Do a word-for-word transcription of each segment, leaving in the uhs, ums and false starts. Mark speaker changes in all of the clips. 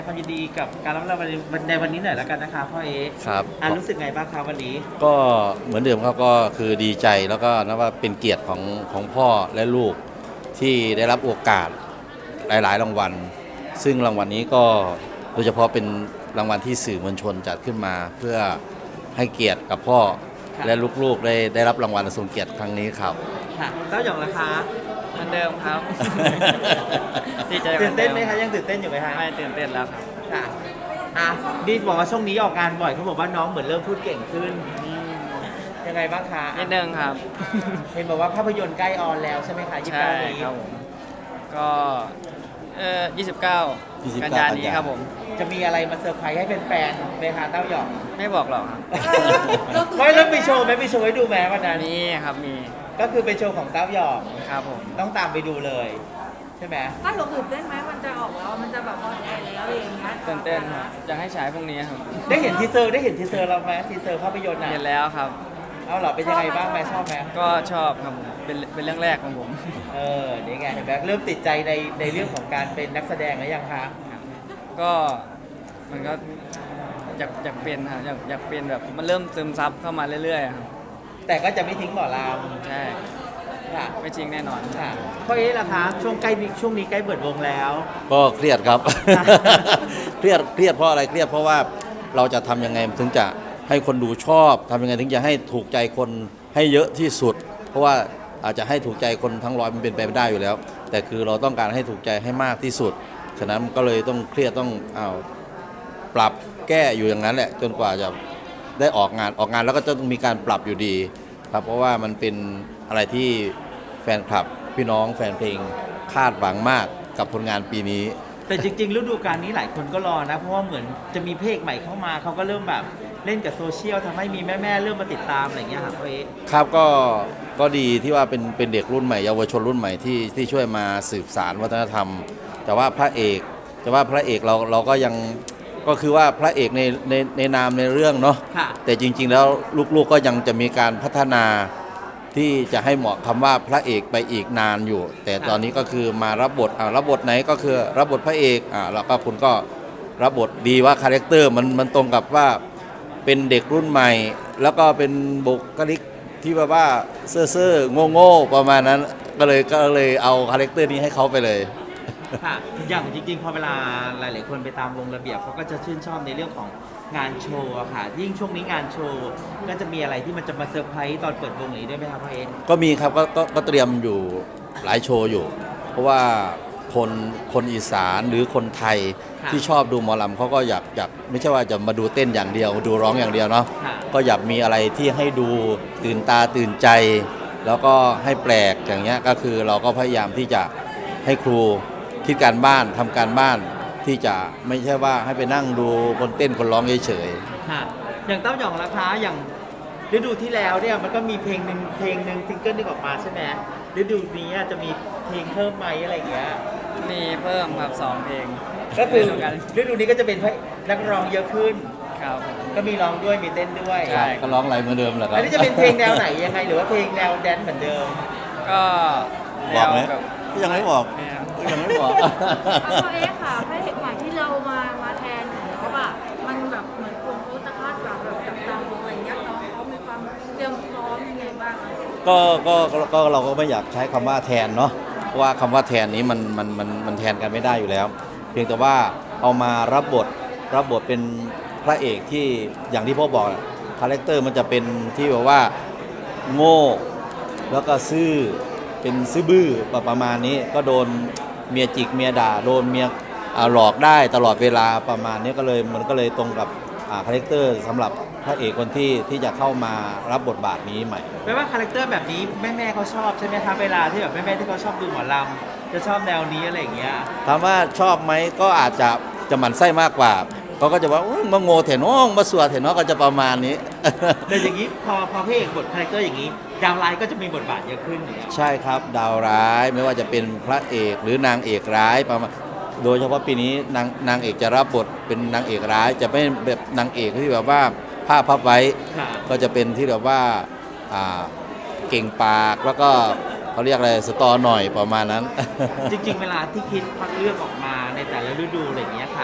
Speaker 1: ความยินดีกับการรับรางวัลในวันนี้หน่อยแล้วกันนะคะพ่อเอ๊ะ
Speaker 2: ครับ
Speaker 1: อ่ะรู้สึกไงบ้างคะวันนี้
Speaker 2: ก็เหมือนเดิมครับก็คือดีใจแล้วก็นับว่าเป็นเกียรติของของพ่อและลูกที่ได้รับโอกาสหลายๆรางวัลซึ่งรางวัลนี้ก็โดยเฉพาะเป็นรางวัลที่สื่อมวลชนจัดขึ้นมา เพื่อให้เกียรติกับพ่อและลูกๆได้ได้รับรางวัลทรงเกียรติครั้งนี้ครับ
Speaker 1: ค่ะเต้าหยองราคา
Speaker 3: เหมือนเดิมครับดีใจ
Speaker 1: ตื่นเต้นไหมคะยังตื่นเต้นอยู่ไหมคะ
Speaker 3: ไม่ตื่นเต้นแล้วครับ
Speaker 1: ค่ะอ่ะดีบอกว่าช่วงนี้ออกงานบ่อยเขาบอกว่าน้องเหมือนเริ่มพูดเก่งขึ้นยังไงบ้างคะ
Speaker 3: นิดนึงครับ
Speaker 1: เห็นบอกว่าภาพยนตร์ใกล้ออนแล้วใช่ไหมคะยี่สิบเก้านี้
Speaker 3: ครับผมก็เอ่อยี่สิบเก้ากันยายนนี้ครับผม
Speaker 1: จะมีอะไรมาเซอร์ไพรส์ให้แฟนๆไหมคะเต้าหยอง
Speaker 3: ไม่บอกหรอกครับ
Speaker 1: ไม่แล้วมีโชว์ไหมมีโชว์ให้ดูไหมวันนั้น
Speaker 3: มีครับมี
Speaker 1: ก็คือเป็นโชว์ของเต้าหยอง
Speaker 3: ครับผม
Speaker 1: ต้องตามไปดูเลยใช่ไหม
Speaker 4: ถ้าหลงตื่นเต้นไหมมันจะออกแล้วมันจะแบบออนแอร์แล้วอะไรอย่างเงี้ย
Speaker 3: ตื่นเต้นครับจะให้ฉายพรุ่งนี้ครับ
Speaker 1: ได้เห็นทีเซอร์ได้เห็นทีเซอร์เราไหมทีเซอร์ภาพยนตร์
Speaker 3: เห็นแล้วครับ
Speaker 1: เอาเหรอเป็นยังไงบ้างไหมชอบไหม
Speaker 3: ก็ชอบครับผมเป็นเป็นเรื่องแรกของผม
Speaker 1: เออนี่ไงเห็นไหมเริ่มติดใจในในเรื่องของการเป็นนักแสดงแล้วยังคะ
Speaker 3: ก็มันก็อยากอยากเป็นครับอยากอยากเป็นแบบมันเริ่มซึมซับเข้ามาเรื่อยๆครับ
Speaker 1: แต่ก็จะไม่ทิ้งหมอล
Speaker 3: ำใช่
Speaker 1: ค่ะ
Speaker 3: ไม่จริงแน่นอน
Speaker 1: ค่ะเพราะเอ๊ะล่ะคะช่วงใกล้ช่วงนี้ใกล้เปิดวงแล้ว
Speaker 2: ก็เครียดครับ เครียดเครียดเพราะอะไรเครียดเพราะว่าเราจะทำยังไงถึงจะให้คนดูชอบทำยังไงถึงจะให้ถูกใจคนให้เยอะที่สุดเพราะว่าอาจจะให้ถูกใจคนทั้งร้อยมันเป็นไปไม่ได้อยู่แล้วแต่คือเราต้องการให้ถูกใจให้มากที่สุดฉะนั้นก็เลยต้องเครียดต้องเอาปรับแก้อยู่อย่างนั้นแหละจนกว่าจะได้ออกงานออกงานแล้วก็จะต้องมีการปรับอยู่ดีครับเพราะว่ามันเป็นอะไรที่แฟนคลับพี่น้องแฟนเพลงคาดหวังมากกับผลงานปีนี้
Speaker 1: แต่จริงๆฤดูกาลนี้หลายคนก็รอนะเพราะว่าเหมือนจะมีเพลงใหม่เข้ามาเขาก็เริ่มแบบเล่นกับโซเชียลทำให้มีแม่ๆเริ่มมาติดตามอะไรอย่างเงี้ยครับพ่อเอ๊ะ
Speaker 2: ครับก็ก็ดีที่ว่าเป็นเป็นเด็กรุ่นใหม่เยาวชนรุ่นใหม่ที่ที่ช่วยมาสืบสานวัฒนธรรมแต่ว่าพระเอกแต่ว่าพระเอกเราเราก็ยังก็คือว่าพระเอกในในในนามในเรื่องเนาะแต่จริงๆแล้วลูกๆก็ยังจะมีการพัฒนาที่จะให้เหมาะคำว่าพระเอกไปอีกนานอยู่แต่ตอนนี้ก็คือมารับบทอ่ารับบทไหนก็คือรับบทพระเอกอ่าแล้วก็คุณก็รับบทดีว่าคาแรคเตอร์มันมันตรงกับว่าเป็นเด็กรุ่นใหม่แล้วก็เป็นบุคลิกที่แบบว่าเซ่อเซ่อโง่โง่ประมาณนั้นก็เลยก็เลยเอาคาแรคเตอร์นี้ให้เขาไปเลย
Speaker 1: ค่ะอย่างจริงๆพอเวลาหลายๆคนไปตามวงระเบียบเขาก็จะชื่นชอบในเรื่องของงานโชว์ค่ะยิ่งช่วงนี้งานโชว์ก็จะมีอะไรที่มันจะมาเซอร์ไพรส์ตอนเปิดวงนี้ด้วยไหมครับพ่อเอ็น
Speaker 2: ก็มีครับก็ก็ก็เตรียมอยู่หลายโชว์อยู่เพราะว่าคนคนอีสานหรือคนไทยที่ชอบดูหมอลำเขาก็อยากอยากไม่ใช่ว่าจะมาดูเต้นอย่างเดียวดูร้องอย่างเดียวเนาะก็อยากมีอะไรที่ให้ดูตื่นตาตื่นใจแล้วก็ให้แปลกอย่างเงี้ยก็คือเราก็พยายามที่จะให้ครูคิดการบ้านทำการบ้านที่จะไม่ใช่ว่าให้ไปนั่งดูคนเต้นคนร้องเฉย
Speaker 1: ๆค่ะอย่างเต้าหยองราคาอย่างฤดูที่แล้วเนี่ยมันก็มีเพลงหนึ่งเพลงหนึ่งซิงเกิลนึงออกมาใช่ไหมฤดูนี้จะมีเพลงเพิ่มไหมอะไรอย่างเงี้ย
Speaker 3: มีเพิ่มครับสองเพลง
Speaker 1: ก็คือฤดูนี้ก็จะเป็นนักร้องเยอะขึ้น
Speaker 3: ครับ
Speaker 1: ก็มีร้องด้วยมีเต้นด้วย
Speaker 2: ใช่ก็ร้องอะไรเหมือนเดิมแหละครับ
Speaker 1: อันนี้จะเป็นเพลงแนวไหนยังไงหรือว่าเพลงแนวแดนซ์เหมือนเดิม
Speaker 3: ก็
Speaker 2: บอกไหมยังไม่บอกยังไม่บอก
Speaker 4: พ่อเอ๊ะค่ะพระเอกใหม่ที่เรามามาแทนเขาแบบมันแบบเหมือนคนเขาจะคาดหวังแบบจับตามองอะไรเงี้ยน้องเขามีความเตรียมพร้อมยังไงบ้าง
Speaker 2: ก็ก็ก็เราก็ไม่อยากใช้คำว่าแทนเนาะเพราะว่าคำว่าแทนนี้มันมันมันมันแทนกันไม่ได้อยู่แล้วเพียงแต่ว่าเอามารับบทรับบทเป็นพระเอกที่อย่างที่พ่อบอกคาแรคเตอร์มันจะเป็นที่แบบว่าโง่แล้วก็ซื่อเป็นซื่อบื้อประมาณนี้ก็โดนเมียจิกเมียด่าโดนเมียหลอกได้ตลอดเวลาประมาณนี้ก็เลยมันก็เลยตรงกับคาแรคเตอร์สำหรับพระเอกคนที่ที่จะเข้ามารับบทบาทนี้ใหม่
Speaker 1: แปลว่าคาแรคเตอร์แบบนี้แม่แม่เขาชอบใช่ไหมครับเวลาที่แบบแม่แม่ที่เขาชอบดูหมอลำจะชอบแนวนี้อะไรอย่างเงี้ย
Speaker 2: ถามว่าชอบไหมก็อาจจะจะหมั่นไส้มากกว่าเขาก็จะว่ามาโง่เถน้องมาสวดเถน้องก็จะประมาณนี้
Speaker 1: แต่อย่างนี้พอพอพระเอกบทคาแรคเตอร์อย่างนี้ดาวร้ายก็จะมีบทบาทเยอะขึ้น
Speaker 2: ใช่ครับดาวร้ายไม่ว่าจะเป็นพระเอกหรือนางเอกร้ายประมาณโดยเฉพาะปีนี้นางนางเอกจะรับบทเป็นนางเอกร้ายจะไม่แบบนางเอกที่แบบว่าผ้าพับไว้ก็จะเป็นที่แบบว่าเก่งปากแล้วก็เขาเรียกอะไรสตอหน่อยประมาณนั้น
Speaker 1: จริงๆเวลาที่คิดพักเลือกออกมาในแต่ละฤดูอะไรอย่างเงี้ยค่ะ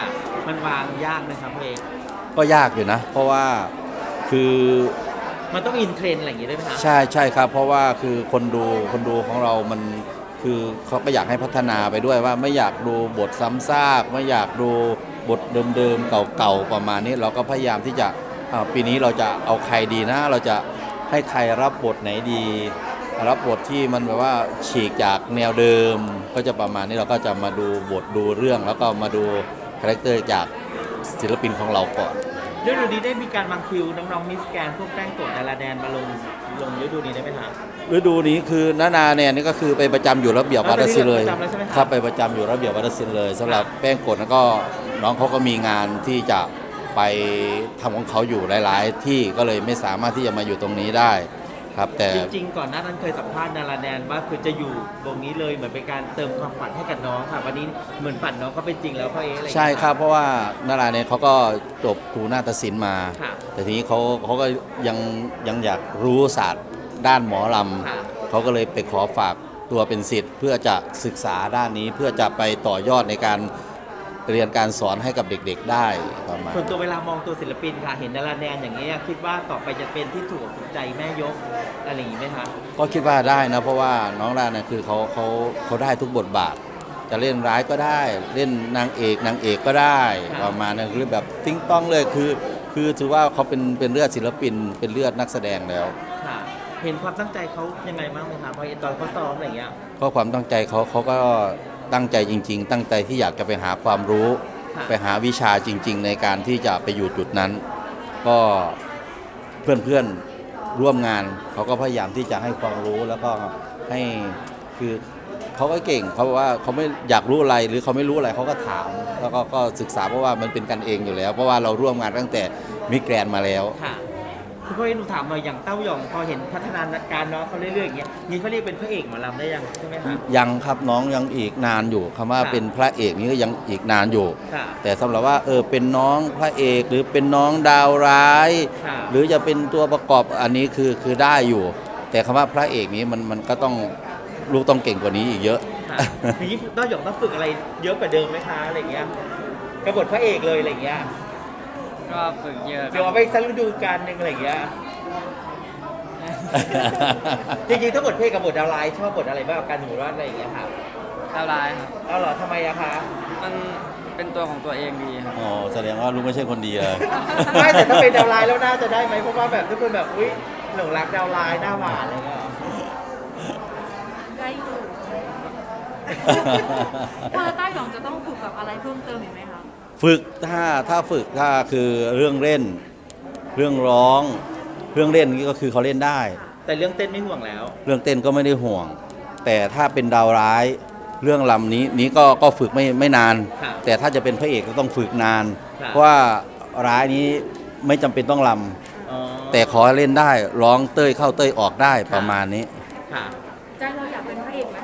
Speaker 1: มันวางยากไหมครับพ่อเอก
Speaker 2: ก็ยากอยู่นะ เพราะว่าคือ
Speaker 1: มันต้องอินเทรนด์อะไรอย่างงี้ด้วยไหมคะ
Speaker 2: ใช่ใช่ครับ เพราะว่าคือคนดูคนดูของเรามันคือเขาก็อยากให้พัฒนาไปด้วยว่าไม่อยากดูบทซ้ำซากไม่อยากดูบทเดิมๆเก่าๆประมาณนี้เราก็พยายามที่จะอ่าปีนี้เราจะเอาใครดีนะ เราจะให้ใครรับบทไหนดี รับบทที่มันแบบว่าฉีกจากแนวเดิม ก็จะประมาณนี้เราก็จะมาดูบทดูเรื่อง แล้วก็มาดูคาแรคเตอร์จากศิลปินของเราก่อน
Speaker 1: ฤดูนี้ได้มีการวางคิวน้องๆมิสแกรนด์พวกแป้งโกดดาราแดนมาลงลงฤดูนี้ได้ไหมคะ
Speaker 2: ฤดูนี้คือนานาเนี่ยนี่ก็คือไปประจำอยู่ระเบียบวัดศิลป์เลย
Speaker 1: ประจำแล้วใช่ไหมครับ
Speaker 2: ครับไปประจำอยู่ระเบียบวัดศิลป์เลยสำหรับแป้งกดแล้วก็น้องเขาก็มีงานที่จะไปทำของเขาอยู่หลาย ๆ ที่ก็เลยไม่สามารถที่จะมาอยู่ตรงนี้ได้ครับแต่
Speaker 1: จริงๆก่อนหน้านั้นเคยสัมภาษณ์ดาราแดนว่าคือจะอยู่ตรงนี้เลยเหมือนเป็นการเติมความฝันให้กับน้องค่ะวันนี้เหมือนฝันน้องเขาเป็นจริงแล้วพ่อเอ๊ะอะไรอย่าง
Speaker 2: ใช่
Speaker 1: เงี้ย
Speaker 2: ครับเพราะว่านาราเนี่ยเขาก็จบครูนาฏศิลป์มา
Speaker 1: ค่ะ
Speaker 2: แต่ทีนี้เขาเขาก็ยังยังอยากรู้ศาสตร์ด้านหมอล
Speaker 1: ค่ะ
Speaker 2: ำเขาก็เลยไปขอฝากตัวเป็นศิษย์เพื่อจะศึกษาด้านนี้เพื่อจะไปต่อยอดในการเรียนการสอนให้กับเด็กๆได้ประมาณ
Speaker 1: ส่วนตัวเวลามองตัวศิลปินค่ะ เห็นดาราแดนอย่างนี้ยคิดว่าต่อไปจะเป็นที่ถูกอกถูกใจแม่ยกอะไรอย่างนี้ไหมคะ
Speaker 2: ก็คิดว่าได้นะเพราะว่าน้องด้านเนี่ยคือเขาเขาเขาได้ทุกบทบาท จะเล่นร้ายก็ได้ เล่นนางเอกนางเอกก็ได้
Speaker 1: ครับ
Speaker 2: ประมาณนั้นคือแบบติ้งต้องเลยคือ คือถือว่าเขาเป็นเป็นเลือดศิลปิน เป็นเลือดนักแสดงแล้ว
Speaker 1: ค่ะ เห็นความตั้งใจเขายังไงบ้างไหมคะพอตอนเขาซ้อมอะไรอย่างเงี้ย
Speaker 2: ก็ความตั้งใจเขาเขาก็ตั้งใจจริง ๆ ตั้งใจที่อยากจะไปหาความรู้
Speaker 1: ค่ะ
Speaker 2: ไปหาวิชาจริง ๆ ในการที่จะไปอยู่จุดนั้น ก็เพื่อนๆร่วมงานเขาก็พยายามที่จะให้ความรู้แล้วก็ให้คือเขาก็เก่งเขาบอกว่าเขาไม่อยากรู้อะไรหรือเขาไม่รู้อะไรเขาก็ถาม แล้วก็ก็ศึกษาเพราะว่ามันเป็นกันเองอยู่แล้ว เพราะว่าเราร่วมงานตั้งแต่มิแกรนด์มาแล้ว
Speaker 1: ค่ะคุณพ่อเอ๊ะหนูถามหน่อยอย่างเต้าหยองพอเห็นพัฒนาการน้องเขาเรื่อยๆอย่างเงี้ยนี่เขาเรียกเป็นพระเอกหมอลำได้ยังใช่ไหมคะ
Speaker 2: ยังครับน้องยังอีกนานอยู่คำว่า
Speaker 1: ค่ะ
Speaker 2: เป็นพระเอกนี่ก็ยังอีกนานอยู่
Speaker 1: ค่ะ
Speaker 2: แต่สำหรับว่าเออเป็นน้องพระเอกหรือเป็นน้องดาวร้าย
Speaker 1: ค่ะ
Speaker 2: หรือจะเป็นตัวประกอบอันนี้คือคือได้อยู่ แต่คำว่าพระเอกนี้มันมันก็ต้องลูกต้องเก่งกว่านี้อีกเยอะ
Speaker 1: ค่ะอย่างนี้เต้าหยองต้องฝึกอะไรเยอะกว่าเดิมไหมคะอะไรอย่างเงี้ยกระบทพระเอกเลยอะไรอย่างเงี้ย
Speaker 3: ก็ฝึกเยอะค
Speaker 1: เดี๋ยว
Speaker 3: รั
Speaker 1: เอา
Speaker 3: บ
Speaker 1: ไปสักฤดูกาลหนึ่งอะไรอย่างเงี้ย จริงๆถ้าบทเพลงกับบทดาวไลน์ชอบบทอะไรบ้างกันสมมติว่าอะไรอย่างเงี้ยค่ะ
Speaker 3: ดาวร้ายครับ
Speaker 1: เอาเหรอทำไมอะคะ
Speaker 3: มันเป็นตัวของตัวเองดีครับ
Speaker 2: อ๋อแสดงว่าลูกไม่ใช่คนดีเลย
Speaker 1: ไม่แต่ถ้าเป็นดาวไลน์แล้วน่าจะได้ไหมเพราะว่าแบบทุกคนแบบอุ้ยหลงรักดาวไลน์หน้าหวานอะไรเงี้ย
Speaker 4: ได้อยู่พอใต้หยองจะต้องฝึกแบบอะไรเพิ่มเติมอีกไหมคะ
Speaker 2: ฝึกถ้าถ้าฝึกถ้าคือเรื่องเล่น เรื่องร้อง เรื่องเล่นนี่ก็คือเขาเล่นได้
Speaker 1: แต่เรื่องเต้นไม่ห่วงแล้ว
Speaker 2: เรื่องเต้นก็ไม่ได้ห่วง แต่ถ้าเป็นดาวร้ายเรื่องลำนี้นี้ก็ก็ฝึกไม่ไม่นาน
Speaker 1: ค่ะ
Speaker 2: แต่ถ้าจะเป็นพระเอกก็ต้องฝึกนาน
Speaker 1: ค่ะ
Speaker 2: เพราะว่าร้ายนี้ไม่จำเป็นต้องล
Speaker 1: อ๋อ
Speaker 2: ำแต่ขอเล่นได้ร้องเต้ยเข้าเต้ยออกได้ประมาณนี้
Speaker 1: ค่ะ
Speaker 4: ใจเราอยากเป็นพระเอกไหม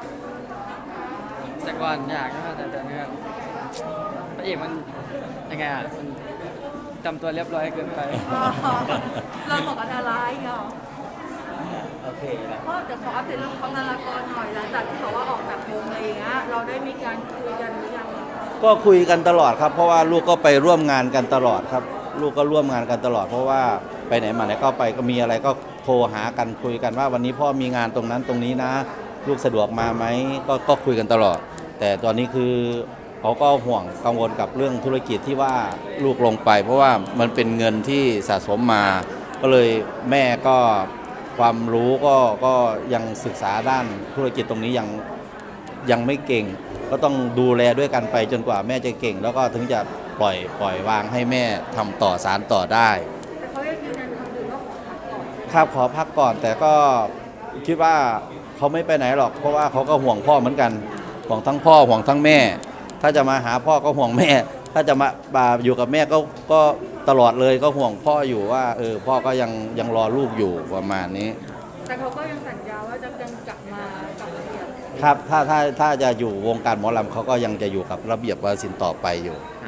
Speaker 3: แต่ก่อนอยากนะครับแต่ตอนนี้ก็พระเอกมันยังไงอ่ะมันจำตัวเรียบร้อยเกินไป
Speaker 4: อ๋อเราบอกกับดาราอีกเหรอ
Speaker 1: โอเคแล้ว
Speaker 4: ก็เดี๋ยวขออัปเดตเรื่องของนารากรหน่อยหลังจากที่บอกว่าออกจากวงอะไรอย่างเงี้ยเราได้มีการคุยกันหรือยัง
Speaker 2: ก็คุยกันตลอดครับ เพราะว่าลูกก็ไปร่วมงานกันตลอดครับ ลูกก็ร่วมงานกันตลอด เพราะว่าไปไหนมาไหนก็ไปก็มีอะไรก็โทรหากันคุยกันว่าวันนี้พ่อมีงานตรงนั้นตรงนี้นะ ลูกสะดวกมาไหมก็ก็คุยกันตลอด แต่ตอนนี้คือเขาก็ห่วงกังวลกับเรื่องธุรกิจที่ว่าลูกลงไป เพราะว่ามันเป็นเงินที่สะสมมา ก็เลยแม่ก็ความรู้ก็ก็ยังศึกษาด้านธุรกิจตรงนี้ยังยังไม่เก่ง ก็ต้องดูแลด้วยกันไปจนกว่าแม่จะเก่ง แล้วก็ถึงจะปล่อยปล่อยวางให้แม่ทำต่อสารต่อได้
Speaker 4: แต่เขายังยืนยันคำเดิมว่าขอพักก่อน
Speaker 2: ครับขอพักก่อน แต่ก็คิดว่าเขาไม่ไปไหนหรอก เพราะว่าเขาก็ห่วงพ่อเหมือนกันห่วงทั้งพ่อห่วงทั้งแม่ ถ้าจะมาหาพ่อก็ห่วงแม่ ถ้าจะมามาอยู่กับแม่ก็ก็ตลอดเลยก็ห่วงพ่ออยู่ว่าเออพ่อก็ยังยังรอลูกอยู่ประมาณนี้
Speaker 4: แต่เขาก็ยังสัญญาว่าจะยังกลับมากลับมาเรียน
Speaker 2: ครับถ้าถ้าถ้าจะอยู่วงการหมอลำเขาก็ยังจะอยู่กับระเบียบวาสินต่อไปอยู่
Speaker 4: อ